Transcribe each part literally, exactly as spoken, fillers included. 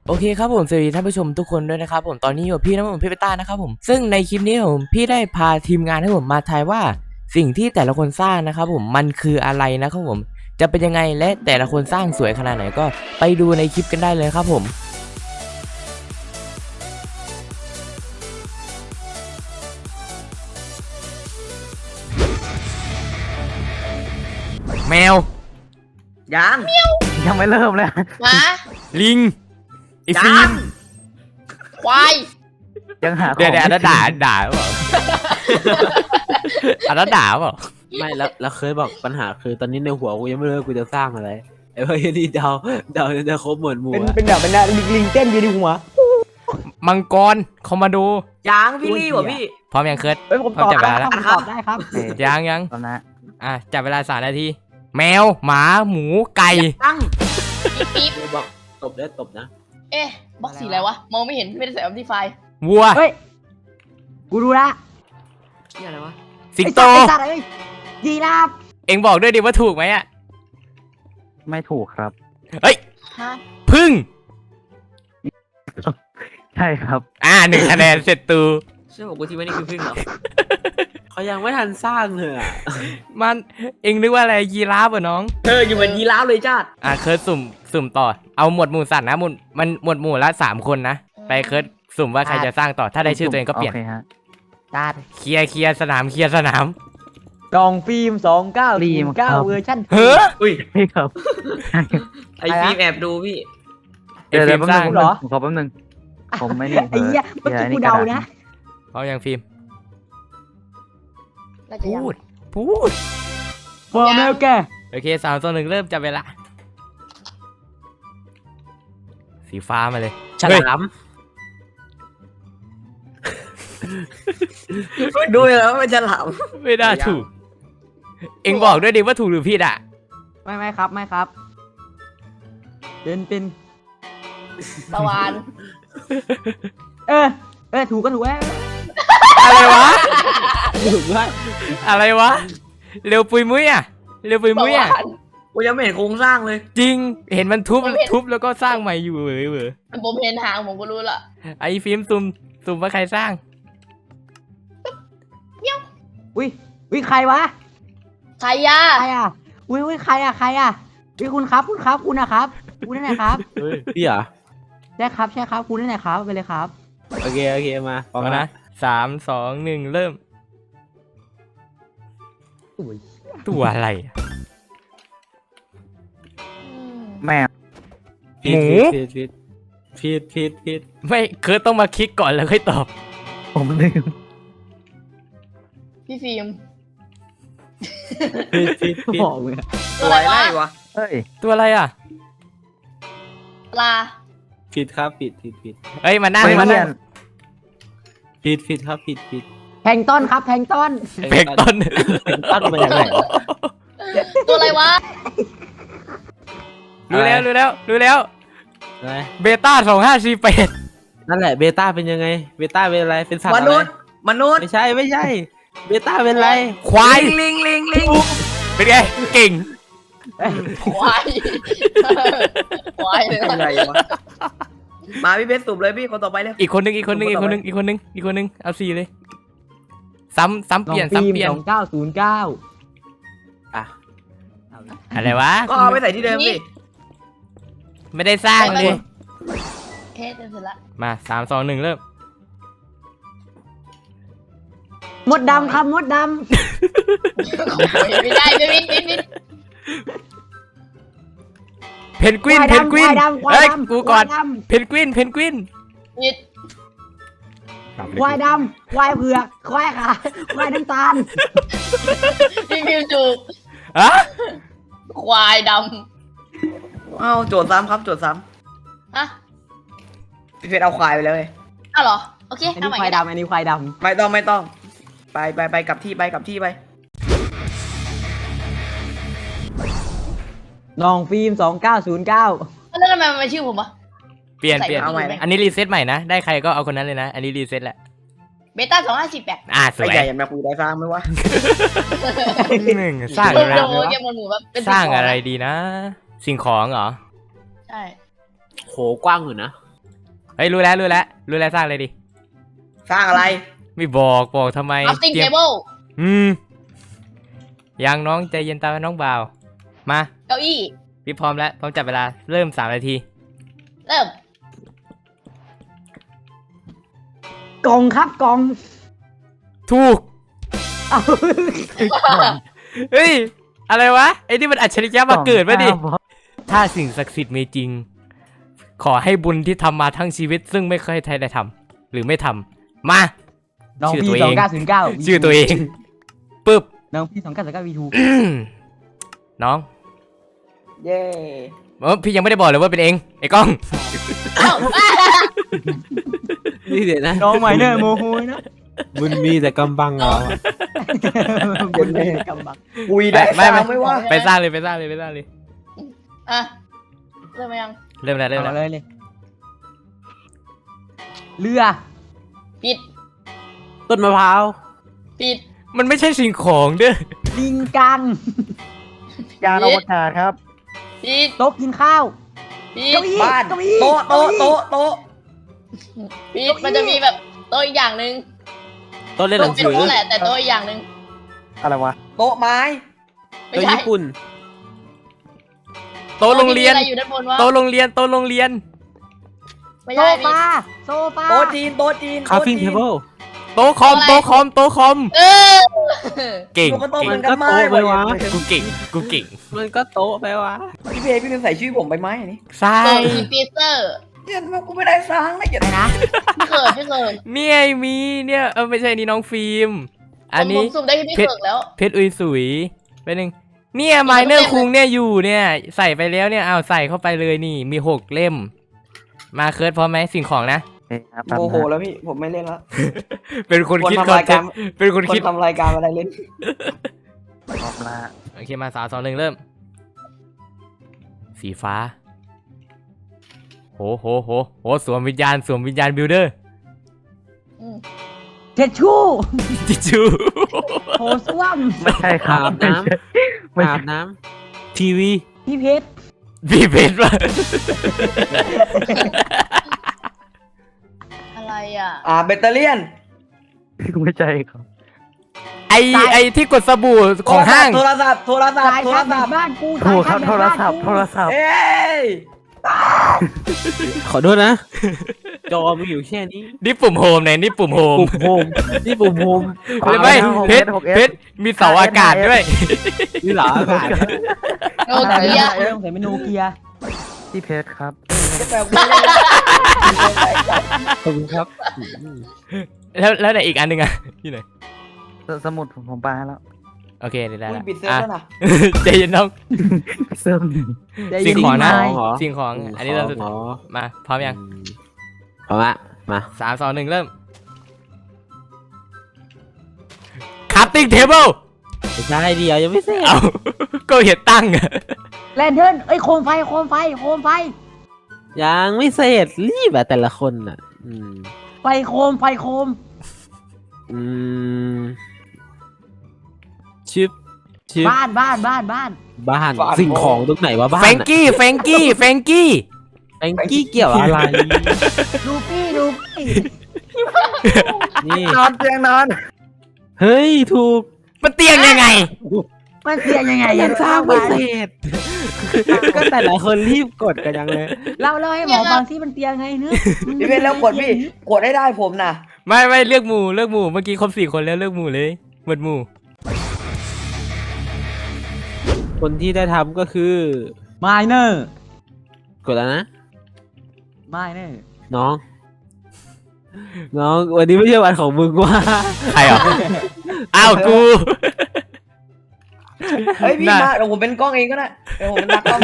โอเคครับผมสวัสดีท่านผู้ชมทุกคนด้วยนะครับผมตอนนี้อยู่พี่น้ำผมพี่เปต้านะครับผมซึ่งในคลิปนี้ผมพี่ได้พาทีมงานให้ผมมาทายว่าสิ่งที่แต่ละคนสร้างนะครับผมมันคืออะไรนะครับผมจะเป็นยังไงและแต่ละคนสร้างสวยขนาดไหนก็ไปดูในคลิปกันได้เลยครับผมแมวยังยังไม่เริ่มเลยหมาลิงไอ้ฟิล์มควายยังหาเดี๋ยวเดี๋ยวอันนั้นด่าด่าเปล่าอันนั้นด่าเปล่าไม่แล้วแล้วเคยบอกปัญหาคือตอนนี้ในหัวกูยังไม่รู้ว่ากูจะสร้างอะไรไอ้พวกนี้เดาเดาจะครบหมดหมู่เป็นเป็นแบบเป็นลิงเต้นอยู่ในหัวมังกรคอมมาโดยังพี่ลี่วะพี่พร้อมยังเคิร์ดเฮ้ยผมตอบได้ครับผมตอบได้ครับยังยังตอนนั้นอ่ะจับเวลาสามนาทีแมวหมาหมูไก่ตั้งปิ๊บบอกตบได้ตบนะเอ๊ะบล็อกสีอะไรวะมองไม่เห็นไม่ได้ใส่ออปติไฟวัวเฮ้ยกูรู้ละนี่อะไรวะสิงโตยีราฟเอ็งบอกด้วยดิว่าถูกไหมอ่ะไม่ถูกครับเฮ้ยพึ่งใช่ครับอ่าหนึ่งคะแนนเสร็จตูเชื่อบอกกูที่ว่านี่คือพึ่งเหรอเขายังไม่ทันสร้างเลยอ่ะมันเอ็งนึกว่าอะไรยีราฟเหรอน้องเอออยู่เหมือนยีราฟเลยจ้าอ่ะเคิร์ดสุ่มสุ่มต่อเอาหมวดหมู่สัตว์นะหมวดมันหมวดหมู่ละสามคนนะไปเคิร์ดสุ่มว่าใครจะสร้างต่อถ้าได้ชื่อตัวเองก็เปลี่ยนจัดเคลียร์เคลียร์สนามเคลียร์สนามดองฟิล์มสองเก้าสี่เก้าเวอร์ชันเฮ้ออุ้ยพี่ครับไอฟิล์มแอบดูพี่เดี๋ยวฟิล์มสร้างเหรอขอแป๊บนึงผมไม่นี่ไอ้เหี้ยเมื่อกี้กูเดานะเขายังฟิล์มพูดพูดฟอร์มแล้วแกโอเคสามตัวหนึ่งเริ่มจับเวลาสีฟ้ามาเลยฉลามดูแล้วมันฉลามไม่ได้ถูกเอ็งบอกด้วยดิว่าถูกหรือผิดอ่ะไม่ไม่ครับไม่ครับเป็นเป็นตะวันเออเออถูกก็ถูกแล้วอะไรวะถูกด้วยอะไรวะเร็วปุยมุ้ยอ่ะเร็วปุยมุ้ยอ่ะกูยังไม่เห็นโครงสร้างเลยจริงเห็นมันทุบทุบแล้วก็สร้างใหม่อยู่เว้ยเว้ยผมเห็นหางผมก็รู้ละไอ้ฟิล์มซุ่มซุ่มว่าใครสร้างอุ้ยอุ้ยใครวะใครอะใครอะอุ้ยอุ้ยใครอะใครอะอุ้ยคุณครับคุณครับคุณนะครับคุณนั่นแหละครับพี่เหรอใช่ครับใช่ครับคุณนั่นแหละครับไปเลยครับโอเคโอเคมาพร้อมนะสามสองหนึ่งเริ่มตัวอะไรแม่หมูผิดผิดผิดผิดผิดไม่คือต้องมาคิดก่อนแล้วค่อยตอบผมลืมพี่ฟิล์มผิดผิดผิดตัวอะไรวะเฮ้ยตัวอะไรอ่ะปลาผิดครับผิดผิดผิดเฮ้ยมานั่งมานั่งผิดผิดครับผิดผิดแพงต้นครับแพงต้นแพงต้นแพงต้นมาจากไหนตัวอะไรวะรู้แล้วรู้แล้วรู้แล้วเบต้าสองห้าสี่แปดนั่นแหละเบต้าเป็นยังไงเบต้าเป็นอะไรเป็นสัตว์อะไรมนุษย์มนุษย์ไม่ใช่ไม่ใช่เบต้าเป็นอะไรควายลิงลิงลิงเป็นไงเก่งควายควายเลยอะไรวะมาพี่เพชรสุ่มเลยพี่คนต่อไปเลยอีกคนนึงอีกคนนึงอีกคนนึงอีกคนนึงอีกคนนึงเอาสี่เลยซ้ำซ้ำเปลี่ยนซ้ำเปลี่ยนสองเก้าศูนย์เก้าอ่ะอะไรวะก็เอาไปใส่ที่เดิมดิไม่ได้สร้างเลยเทสเสร็จละมาสามสองหนึ่งเริ่มมดดำครับมดดำไม่ได้ไม่วินวินวินเพนกวินเพนกวินเฮ้ยกูก่อนเพนกวินเพนกวินยิดควายดำควายเผือกควายขาควายน้ำตาลพี่พิวจูฮะควายดำเอ้าโจทย์ซ้ำครับโจทย์ซ้ำฮะพี่เพชรเอาควายไปเลยอ้าวเหรอโอเคอันนี้ควายดำอันนี้ควายดำไม่ต้องไม่ต้องไปไปไปกลับที่ไปกลับที่ไปน้องฟิล์มสองเก้าศูนย์เก้าแล้วทำไมมันชื่อผมวะเปลี่ยนเปลี่ยนอันนี้รีเซ็ตใหม่นะได้ใครก็เอาคนนั้นเลยนะอันนี้รีเซ็ตแหละเบต้าสองห้าสี่แปดอ่าสวยใหญ่ยังมาคุยได้สร้างไหมวะหนึ่งสร้างอะไรสร้างอะไรดีนะสิ่งของเหรอใช่โหกว้างอยู่นะฮ้ยรู้แล้วรู้แล้วรู้แล้วสร้างอะไรดิสร้างอะไรไม่บอกบอกทำไม crafting เตรียม table อืมยังน้องใจเย็นตามน้องบ่าวมาเก้าอี้พี่พร้อมแล้วพร้อมจับเวลาเริ่มสามนาทีเริ่มกล่องครับกล่องถูกเอาเฮ้ยอะไรวะไอ้นี่มันอัจฉริยะมาเกิดปะดิถ้าสิ่งศักดิ์สิทธิ์มีจริง ขอให้บุญที่ทำมาทั้งชีวิต ซึ่งไม่เคยใครได้ทำหรือไม่ทำมาน้องชื่อพี่ตัวสเอองงเก้าศูนย์เก้าชื่อตัวเองปึ๊บน้องพี่สองเก้าศูนย์เก้าวีทูน้องเย้เออพี่ยังไม่ได้บอกเลยว่าเป็นเองไอ้กล้องเอ้านี่เดี๋ยวนะน้องใหม่เนี่ยโมโหนะมันมีแต่กำบังเหรอบนเลยกำบังคุยได้ไม่ไม่ฟังไม่ว่าไปสร้างเลยไปสร้างเลยไปสร้างเลยอ่ะเริ่มยังเริ่มแล้วเริ่มเอาแล้วเลยเลยเรือปิดต้นมะพร้าวปิดมันไม่ใช่สิ่งของเด้อลิงกังยานอวกาศครับปิดโต๊ะกินข้าวปิเก้าดอี้บ้านเก้าอี้โต๊ะโต๊ะโต๊ะโต๊ะปิดมันจะมีแบบโต๊ะอีกอย่างหนึ่งต้นเล่นหโต๊ะนังเป็นสือโต๊ะแหละแต่โต๊ะอีกอย่างหนึ่งอะไรวะ โต๊ะไม้ไม่ตัวใช่ญี่ปุ่นโต๊ะโรงเรียนโต๊ะที่มีอะไรอยู่ด้านบนวะโต๊ะโรงเรียนโต๊ะโรงเรียนไม่โซใช่ปิดฟาโซฟาโต๊ะจีน โต๊ะจีนคาฟิ้งโต๊ะเทจีนเบิลโต๊ะคอมโต๊ะคอมโต๊ะคอมเออเก่งหนูก็โต๊ะเก่เหมืงอนกันไม้มันก็โต๊ะไปวะกูเก่งกูเก่งมันก็โต๊ะไปวะพี่เพพี่เป็นใส่ชื่อผมไปไหมอันนี่ใช่โต๊ะอีปีเตอร์เนี่ยทำไมกูไม่ได้สร้างนะอย่าอะไรนะพี่เกิดพี่เกิดเนี่ยไอ้มีเนี่ยเออไม่ใช่นี่น้องฟิล์มอันผมนี้ผมสุ่มได้ที่พี่เพชรเกิดแล้วเพชรอุยสุยเป็นหนึ่งเนี่ยไมเนอร์คุงเนี่ยอยู่เนี่ยใส่ไปแล้วเนี่ยเอาใส่เข้าไปเลยนี่มีหกเล่ม มาเคิร์ดพร้อมไหมสิ่งของนะโมโหแล้วพี่ ผมไม่เล่นแล้วเป็นคนคนคิดทำคอนรายเทการนต์เป็นคนคนคิดทำรายการอะไรเล่นพร้อมละโอเคมาสามสองหนึ่งเริ่ม สีฟ้าโหโหโหโหสวมวิญญาณสวมวิญญาณบิลเดอร์อืมเท็ดชู่จิจูโถส้วมไม่ใช่ครัอาบบน้ำอาบน้ำทีวีพี่เพชรพี่เพชรวะอะไรอ่ะอ่าแบตเตอเรี่ยนไม่ใช่ครับไอไอที่กดสบู่ของห้างโทรศัพท์ โทรศัพท์สายโทรชาร์จแบศัพตท์บ้านกูถูกครับสายโทชาร์จแบตรศัพท์โทรศัพท์เอ้ยขอโทษนะ จอมีอยู่แค่นี้นี่ปุ่มโฮมเนี่ยนี่ปุ่มโฮมปุ่มโฮมนี่ปุ่มโฮมหรือไม่เพชรเพชรมีเสาอากาศด้วยนี่เหรออากาศโนเกียเริ่มใส่เมนูเกียร์พี่เพชรครับแบบกูไม่ได้ขอบคุณครับแล้วแล้วไหนอีกอันหนึ่งอะที่ไหนสสมุดผมผมปาให้แล้วโอเคเดี๋ยวได้อุ้ยละปิดเซิร์ฟอ่ะแล้วนะใจเย็นน้องเซิร์ฟหนึ่งสิ่งของนะสิ่งของเหรอสิ่งของอันนี้เราสุดหมอมาพร้อมยังพร้อมละมาสามสองหนึ่งเริ่ม crafting table ไม่ใช่เดียวยังไม่เสร็จเอา ก็เห็นตั้งอะแลนเทิร์นเอ้ยโคมไฟโคมไฟโคมไฟยังไม่เสร็จรีบอะแต่ละคนอะอืมไฟโคมไฟโคมอืมชิปชิปบ้านบ้านบ้านบ้านบ้านสิ่งของตรงไหนวะบ้านแฟงกี้แฟงกี้แฟงกี้แฟงกี้เกี่ยวอะไรดูปี้ดูปี้นี่นอนเตียงนอนเฮ้ยถูกมันเตียงยังไงมันเสียยังไงยังสร้างไม่เสร็จก็แต่ละคนรีบกดกันยังเลยเราเราให้หมอบางที่มันเตียงไงเนื้อะพี่เพชรแล้วกดพี่ กดให้ได้ผมนะไม่ไม่เลือกหมู่เลือกหมู่เมื่อกี้ครบสี่คนแล้วเลือกหมู่เลยหมดหมู่คนที่ได้ทำก็คือไมเนอร์กดแล้วนะไมเนอร์น้อง น้องวันนี้ไม่ใช่วันของมึงว่าใครอ่ะ อ้าวกูเฮ้ยพี่น่ะมาเดี๋ยวผมเป็นกล้องเองก็ได้เดี๋ยวผมเป็นนักกล้อง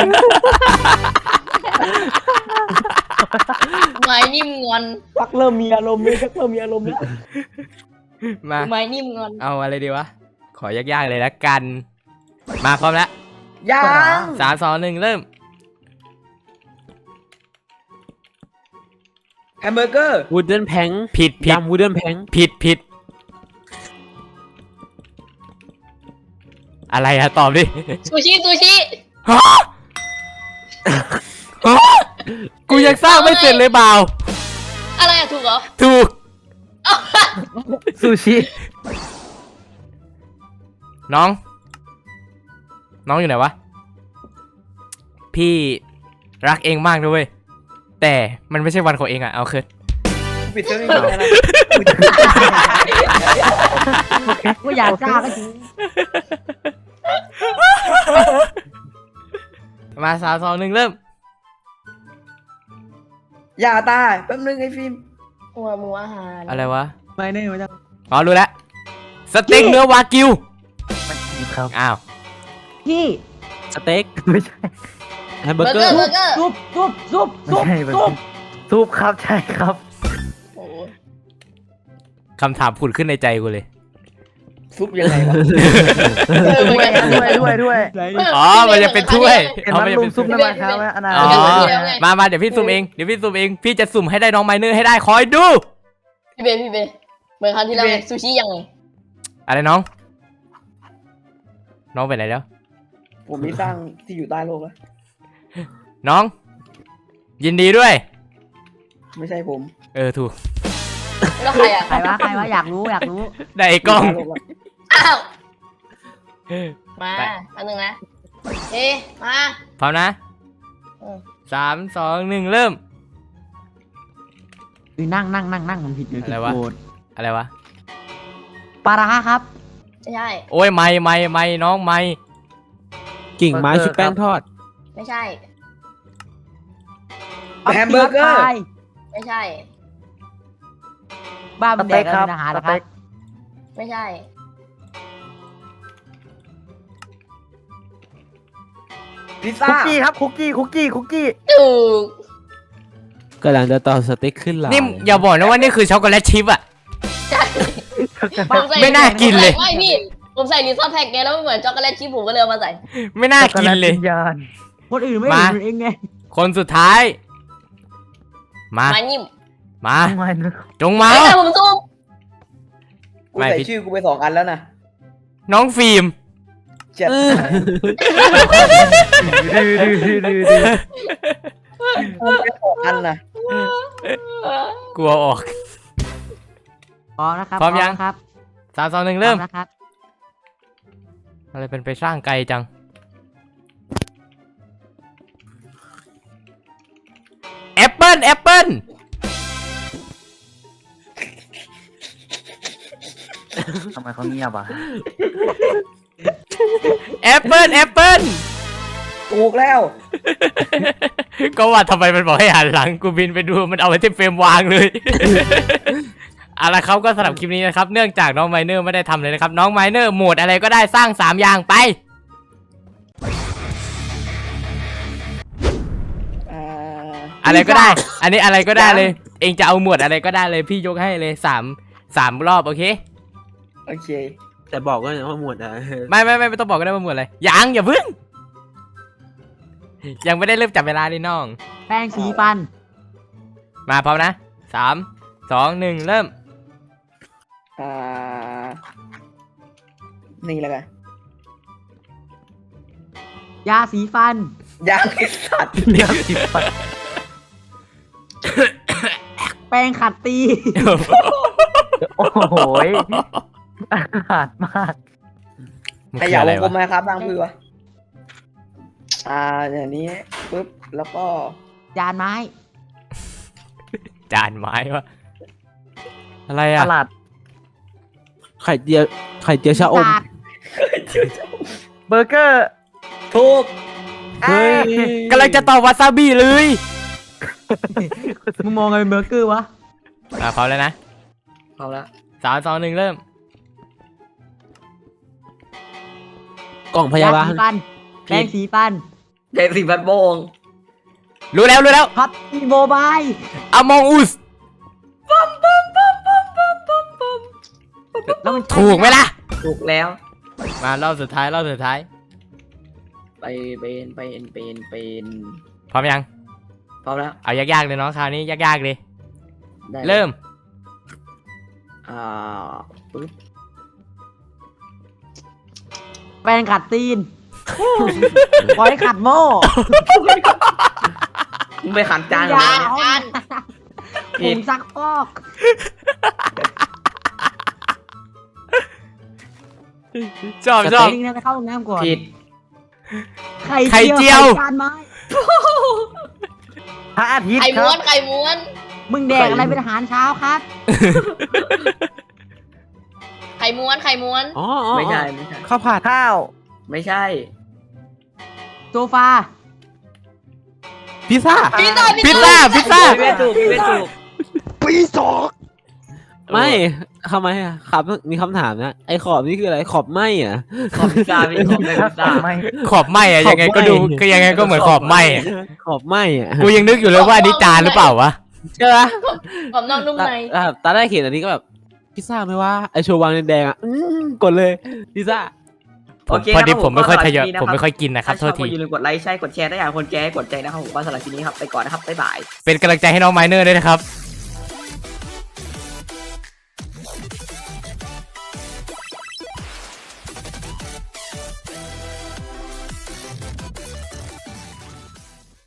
ไม้นิ่มงอนชักเริ่มมีอารมณ์เลยชักเริ่มมีอารมณ์แล้วมาไม้นิ่มงอนเอาอะไรดีวะ ขอยากๆเลยละกัน มาพร้อมแล้วยังสามสองหนึ่งเริ่มแฮมเบอร์เกอร์วูดเดิลแพงผิดผิดยำวูดเดิลแพงผิดผิดอะไรอะตอบดิซูชิซูชิฮะฮะกูยังสร้างไม่เสร็จเลยเบาอะไรอะถูกเหรอถูกซูชิน้อง น้องอยู่ไหนวะ พี่รักเองมากด้วยแต่มันไม่ใช่วันของเองอะเอาคืนปิดเรื่องนี้ก่อนนะกูอยากจ้าก็จริงมาสามสองหนึ่งเริ่มอย่าตายแป๊บนึงไอ้ฟิล์มหัวหมูอาหารอะไรวะไม่แน่ไม่ได้อ๋อรู้แล้วสเต็กเนื้อวากิวไม่ใช่ครับอ้าวพี่สเต็กไม่ใช่แฮมเบอเบอร์ร์เกเกออร์ร์เบอร์เกอร์ซุปซุปซุปไม่ซุปใช่แบบซุปซุปครับใช่ครับโอ้โหคำถามผุดขึ้นในใจกูเลยซุปยังไงวะเออเหมือนกันด้วยด้วยด้วยอ๋อ มันจะเป็นถ้วยเห็นอ๋อมันจะลุเป็มนซุปถ้วยน้ำมันครับว่าอนาอ๋อคตมามาเดี๋ยวพี่ซุ่มเองเดี๋ยวพี่ซุ่มเองพี่จะสุ่มให้ได้น้องไมเนอร์ให้ได้คอยดูพี่เบย์พี่เบย์เหมือนครั้งที่แล้วไงซูชิยังไงอะไรน้อง น้องไปไหนแล้วผมมีสร้างที่อยู่ใต้โลกแล้วน้อง ยินดีด้วยไม่ใช่ผมเออถูกแล้วใครอะใครวะใครวะอยากรู้อยากรู้ได้ไอ้กล้องยู่ใต้โลแล้วอ้าวมาไปอันหนึ่งนะเอ๊ะมาพร้อมนะอืมสามสองหนึ่งเริ่มอือนั่งนั่งนั่งนั่งมันผิดเลยอะไรวะ อะไรวะปลาร้าครับไม่ใช่โอ้ยไม่ไม่ไม่น้องไม่กิ่งไม้ชุบแป้งทอดไม่ใช่แฮมเบอร์เกอร์ไม่ใช่บ้าสมันแดเต็กกอะคไรรับเป็นอาหารสเหรอครัเต็บกไม่ใช่พิซซ่าคุกกี้ครับคุกกี้คุกกี้คุกกี้ถูกกำลังจะต่อสเต็กขึ้นหลานี่อย่าบอกนะว่านี่คือช็อกโกแลตชิพอะใช่ผมใส่ไม่น่ากินเลยไม่พี่ ผมใส่ลิซ่าแพ็กไงแล้วมันเหมือนช็อกโกแลตชิพผมก็เลยเอามาใส่ไม่น่ากินเลยช็อกโกแตวิญญาณคนอื่นไม่มาเห็นเองไงคนสุดท้าย มามานิ่มมาทำไมนึกจงมาไม่ใช่ผมซุ่มกูไม่ใส่พี่ชื่อกูไปสองอันแล้วนะน้องฟิล์มเจ็ดดื้อดื้อดื้อดื้อดื้อกูไปสองอันนะกลัวออกพร้อมนะครับพร้อมยังนะครับสามสองหนึ่งเริ่มพอนะครับอะไรเป็นไปสร้างไกลจัง แอปเปิลแอปเปิลทำไมเขาเงียบอ่ะแอปเปิลแอปเปิลถูกแล้วก็ว่าทำไมมันบอกให้หันหลังกูบินไปดูมันเอาไว้ที่เฟรมวางเลย เอาละครับก็สำหรับคลิปนี้นะครับเนื่องจากน้องไมเนอร์ไม่ได้ทำเลยนะครับน้องไมเนอร์โหมดอะไรก็ได้สร้างสามอย่างไปอ่าอะไรก็ได้ อันนี้อะไรก็ได้เลย เองจะเอาหมวดอะไรก็ได้เลยพี่ยกให้เลยสามสามรอบโอเคโอเคแต่บอกว่าว่าหมวดอะไม่ไม่ไม่ไม่ต้องบอกก็ได้ว่าหมวดอะไรยังอย่าเพิ่ง ยังไม่ได้เริ่มจับเวลาเลยน้องแป้งสีฟันมาพร้อมนะสามสองหนึ่งเริ่มอ่า นี่แล้วกันยาสีฟันยางไอสัตว์เดี๋ยวสิบปัดแป้งขัดตีโอ้โหยอาหารมากมันขคือยะอะไรวงกลวะมไหมครับทางพื้นวะอ่าอย่างนี้ปุ๊บแล้วก็จานไม้จานไม้วะอะไรตอ่ะลาดไข่เจียวไข่เจียวชะอมกากเบอร์เกอร์ถูกเฮ้ยกำลังจะตอบวาซาบิเลยมึงมองไงเป็นเบอร์เกอร์วะอ่ะพร้อมแล้วนะเอาละสามสองหนึ่งเริ่มกล่องพยาบาลสีฟัน แป้งสีฟันเด็กสิบพันโมงรู้แล้วรู้แล้วพับอีโมบายอมองอุสแล้วมันถูกไหมล่ะถูกแล้วมารอบสุดท้ายรอบสุดท้ายไปเป็นเป็นเป็นเป็นพร้อมยังพร้อมแล้วเอายากๆเลยน้องคราวนี้ยากๆเลยได้เริ่มอ่าปึ๊บแป้งขัดตีนปล่อยขัดโม่มึงไปขันจานยาเหรอเอาจานผงซักฟอกชอบชอบนี่นะไปเข้าห้องน้ำก่อนผิดไข่ไข่เจียวไข่จานไม้พระอาทิตย์ไข่ครัม้วบนไข่ม้วนมึงแดกอะไรเป็นอาหารเช้าครับไข่ม้วนไข่ม้วนอ๋ออ๋อไม่ใช่ไม่ใช่ข้าวผัดข้าวไม่ใช่โซฟาพิซซ่าพิซซ่าพิซซ่าพิซซ่าพี่ไม่ถูกพี่ไม่ถูกไม่ทำไมอ่ะครับมีคำถามนะไอ้ขอบนี่คืออะไรขอบไหมอ่ะขอบพิซซ่าพี่ขอบได้พิซซ่าไม่ขอบไหมอะยังไงก็ดูก็ยังไงก็เหมือนขอบไหมอะขอบไหมอ่ะกูยังนึกอยู่เลยว่าอันนี้จานหรือเปล่าวะใช่ไหมกรอบนอกนุ่มในอ่ะตอนแรกเห็นอันนี้ก็แบบพิซซ่าไหมว่าไอโชว์วางแดงๆอ่ะอืมกดเลยพิซซ่าผมโเคพอดีรับผมไม่ค่อยทยอยก็สำหรับผมไม่ค่อยกินนะครับถ้าชโทอบษทีก็อย่าลืมกดไลค์ใช่กดแชร์ถ้าอยากให้คนแชร์ให้กดใจนะครับผมก็สำหรับคลิปนี้ครับไปก่อนนะครับบ๊ายบายเป็นกำลังใจให้น้องไมเนอร์ด้วยนะครับ